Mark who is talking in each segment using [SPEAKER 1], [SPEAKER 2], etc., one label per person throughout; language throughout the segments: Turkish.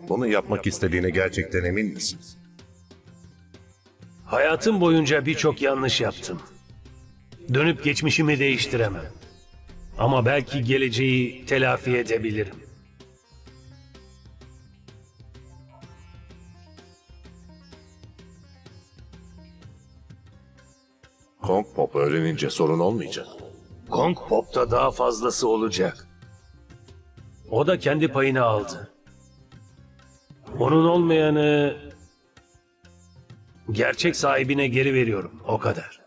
[SPEAKER 1] Bunu yapmak istediğine gerçekten emin misin?
[SPEAKER 2] Hayatım boyunca birçok yanlış yaptım. Dönüp geçmişimi değiştiremem. Ama belki geleceği telafi edebilirim.
[SPEAKER 1] Kong Pop öğrenince sorun olmayacak.
[SPEAKER 2] Kong Pop'ta daha fazlası olacak. O da kendi payını aldı. Onun olmayanı gerçek sahibine geri veriyorum. O kadar.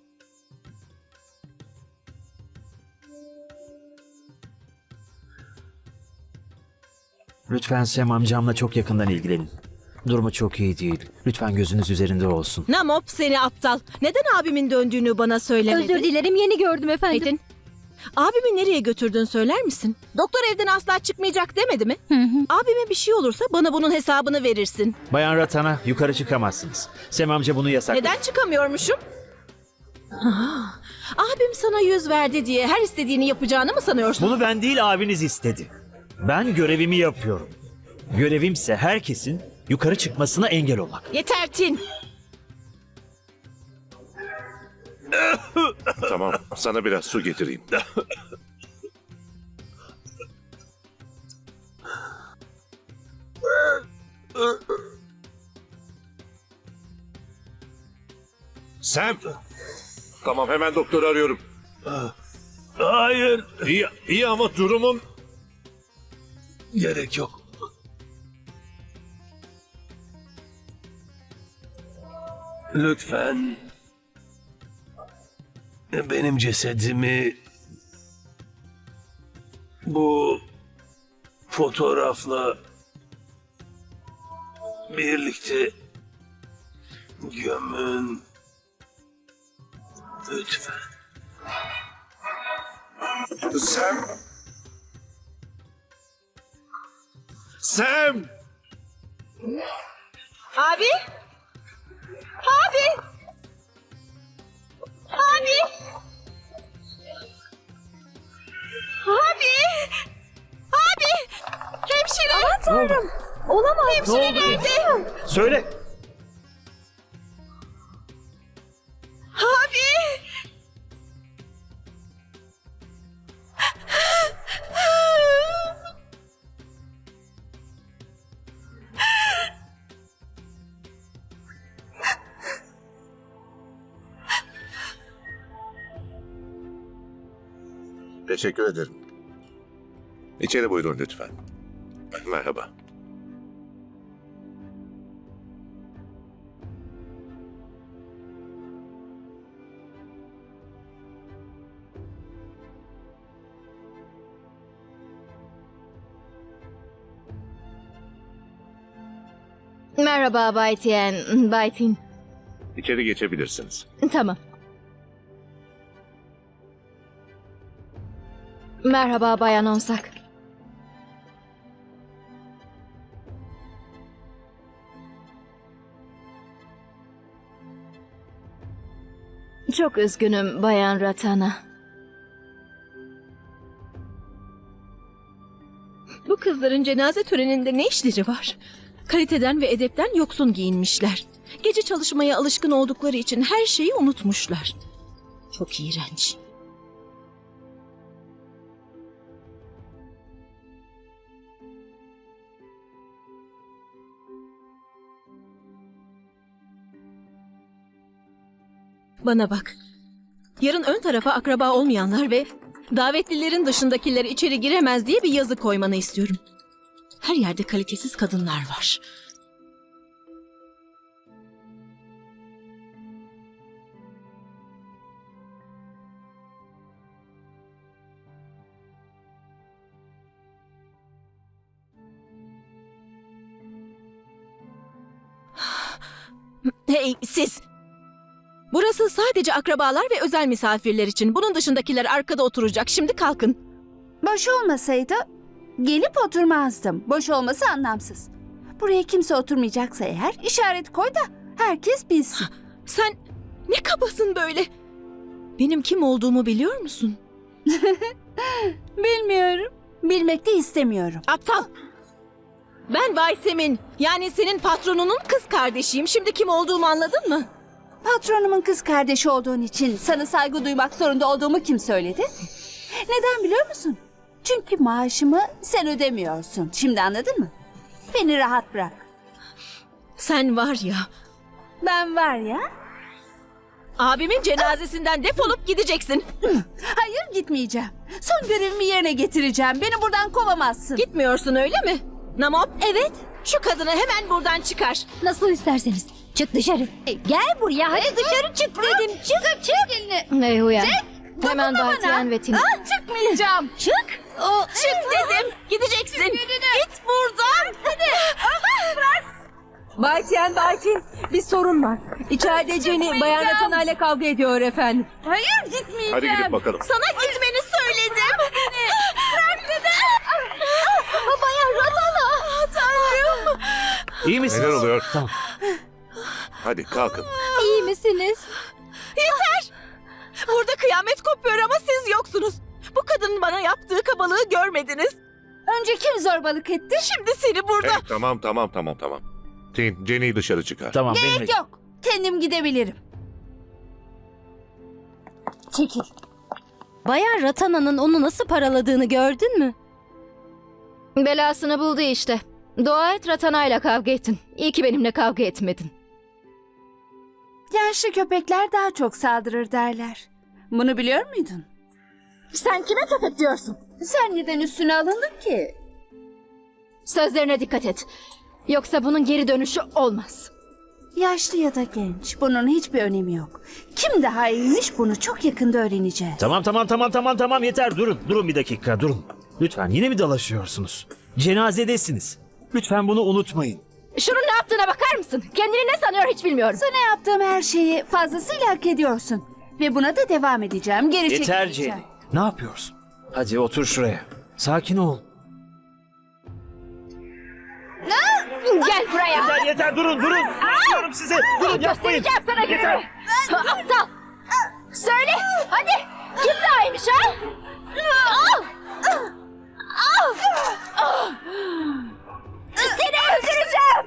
[SPEAKER 3] Lütfen Sam amcamla çok yakından ilgilenin. Durumu çok iyi değil. Lütfen gözünüz üzerinde olsun.
[SPEAKER 4] Namop seni aptal. Neden abimin döndüğünü bana söylemedin?
[SPEAKER 5] Özür dilerim, yeni gördüm efendim.
[SPEAKER 4] Metin, abimi nereye götürdün söyler misin? Doktor evden asla çıkmayacak demedi mi? Abime bir şey olursa bana bunun hesabını verirsin.
[SPEAKER 3] Bayan Ratana, yukarı çıkamazsınız. Sam amca bunu yasakladı.
[SPEAKER 4] Neden çıkamıyormuşum? Ah, abim sana yüz verdi diye her istediğini yapacağını mı sanıyorsun?
[SPEAKER 3] Bunu ben değil, abiniz istedi. Ben görevimi yapıyorum. Görevimse herkesin yukarı çıkmasına engel olmak.
[SPEAKER 4] Yeter Tin.
[SPEAKER 1] Tamam, sana biraz su getireyim. Sam! Tamam, hemen doktoru arıyorum.
[SPEAKER 2] Hayır.
[SPEAKER 1] İyi ama durumum...
[SPEAKER 2] Gerek yok. Lütfen benim cesedimi bu fotoğrafla birlikte gömün. Lütfen.
[SPEAKER 1] Sam! Sam!
[SPEAKER 4] Abi? Abi! Abi! Abi! Abi! Hemşire! Aman tanrım! Olamaz. Hemşire nerede?
[SPEAKER 3] Söyle.
[SPEAKER 4] Abi!
[SPEAKER 1] Teşekkür ederim. İçeri buyurun lütfen. Merhaba.
[SPEAKER 5] Merhaba Bay Tien, Bay Tin.
[SPEAKER 1] İçeri geçebilirsiniz.
[SPEAKER 5] Tamam. Merhaba Bayan Onsak. Çok üzgünüm Bayan Ratana.
[SPEAKER 4] Bu kızların cenaze töreninde ne işleri var? Kaliteden ve edepten yoksun giyinmişler. Gece çalışmaya alışkın oldukları için her şeyi unutmuşlar. Çok iğrenç. Bana bak. Yarın ön tarafa akraba olmayanlar ve davetlilerin dışındakiler içeri giremez diye bir yazı koymanı istiyorum. Her yerde kalitesiz kadınlar var. Hey siz! Burası sadece akrabalar ve özel misafirler için. Bunun dışındakiler arkada oturacak. Şimdi kalkın.
[SPEAKER 6] Boş olmasaydı gelip oturmazdım. Boş olması anlamsız. Buraya kimse oturmayacaksa eğer işaret koy da herkes bilsin.
[SPEAKER 4] Sen ne kabasın böyle? Benim kim olduğumu biliyor musun?
[SPEAKER 6] Bilmiyorum. Bilmek de istemiyorum.
[SPEAKER 4] Aptal! Ben Baysem'in, yani senin patronunun kız kardeşiyim. Şimdi kim olduğumu anladın mı?
[SPEAKER 6] Patronumun kız kardeşi olduğun için sana saygı duymak zorunda olduğumu kim söyledi? Neden biliyor musun? Çünkü maaşımı sen ödemiyorsun. Şimdi anladın mı? Beni rahat bırak.
[SPEAKER 4] Sen var ya,
[SPEAKER 6] Ben var ya.
[SPEAKER 4] abimin cenazesinden defolup gideceksin.
[SPEAKER 6] Hayır, gitmeyeceğim. Son görevimi yerine getireceğim. Beni buradan kovamazsın.
[SPEAKER 4] Gitmiyorsun öyle mi? Namop, evet. Şu kadını hemen buradan çıkar.
[SPEAKER 7] Nasıl isterseniz. Çık dışarı. Gel buraya. Hadi dışarı çık dedim. Çık çık.
[SPEAKER 5] Uyan. Hemen
[SPEAKER 6] Dokunma
[SPEAKER 5] Bay
[SPEAKER 6] bana.
[SPEAKER 5] Tian ve Tina.
[SPEAKER 6] Çıkmayacağım.
[SPEAKER 7] Çık.
[SPEAKER 4] Çık dedim. Gideceksin. Git buradan.
[SPEAKER 8] Baytiyen, bir sorun var. İçeride Jenny Bayan Ratana ile kavga ediyor efendim.
[SPEAKER 6] Hayır, gitmeyeceğim.
[SPEAKER 1] Hadi gidip bakalım.
[SPEAKER 4] Sana gitmeni söyledim.
[SPEAKER 6] Bırak dedim.
[SPEAKER 4] Bayan Ratana. Tanrım.
[SPEAKER 2] İyi misiniz?
[SPEAKER 1] Neler oluyor?
[SPEAKER 2] Tamam.
[SPEAKER 1] Hadi kalkın.
[SPEAKER 7] İyi misiniz?
[SPEAKER 4] Yeter. Burada kıyamet kopuyor ama siz yoksunuz. Bu kadının bana yaptığı kabalığı görmediniz.
[SPEAKER 6] Önce kim zorbalık etti?
[SPEAKER 4] Şimdi seni burada...
[SPEAKER 1] Hey, tamam. Tin, Jenny'yi dışarı çıkar.
[SPEAKER 3] Tamam
[SPEAKER 6] Gerek
[SPEAKER 3] benimle.
[SPEAKER 6] yok. Kendim gidebilirim.
[SPEAKER 7] Çekil. Bayan Ratana'nın onu nasıl paraladığını gördün mü?
[SPEAKER 5] Belasını buldu işte. Dua et Ratana'yla kavga ettin. İyi ki benimle kavga etmedin.
[SPEAKER 6] Yaşlı köpekler daha çok saldırır derler. Bunu biliyor muydun?
[SPEAKER 7] Sen kime köpek diyorsun?
[SPEAKER 6] Sen neden üstüne alındın ki?
[SPEAKER 5] Sözlerine dikkat et. Yoksa bunun geri dönüşü olmaz.
[SPEAKER 6] Yaşlı ya da genç, bunun hiçbir önemi yok. Kim daha iyiymiş bunu çok yakında öğreneceğiz.
[SPEAKER 3] Tamam yeter durun bir dakika durun. Lütfen yine mi dalaşıyorsunuz? Cenazedesiniz. Lütfen bunu unutmayın.
[SPEAKER 5] Şunun ne yaptığına bakar mısın? Kendini ne sanıyor hiç bilmiyorum.
[SPEAKER 6] Sana yaptığım her şeyi fazlasıyla hak ediyorsun. Ve buna da devam edeceğim. Geri
[SPEAKER 3] Yeter
[SPEAKER 6] çekileceğim.
[SPEAKER 3] Jenny. Ne yapıyorsun? Hadi otur şuraya. Sakin ol.
[SPEAKER 5] Gel buraya.
[SPEAKER 3] Yeter durun. Diyorum size. Durun yapmayın.
[SPEAKER 5] Göstereceğim sana gününü. Aptal. Söyle hadi. Kim daha iyiymiş ha? Seni öldüreceğim.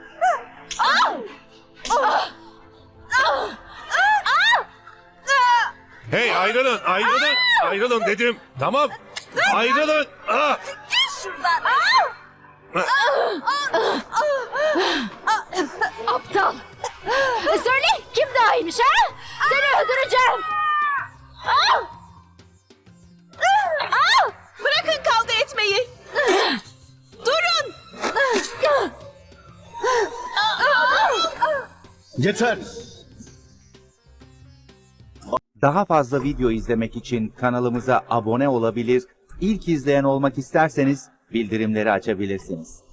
[SPEAKER 1] Hey ayrılın dedim. Tamam. Ayrılın. Ah!
[SPEAKER 5] Aptal. Söyle kim daha iyiymiş ha? Seni öldüreceğim.
[SPEAKER 4] Bırakın kavga etmeyi. Durun.
[SPEAKER 9] Yeter. Daha fazla video izlemek için kanalımıza abone olabilir, ilk izleyen olmak isterseniz bildirimleri açabilirsiniz.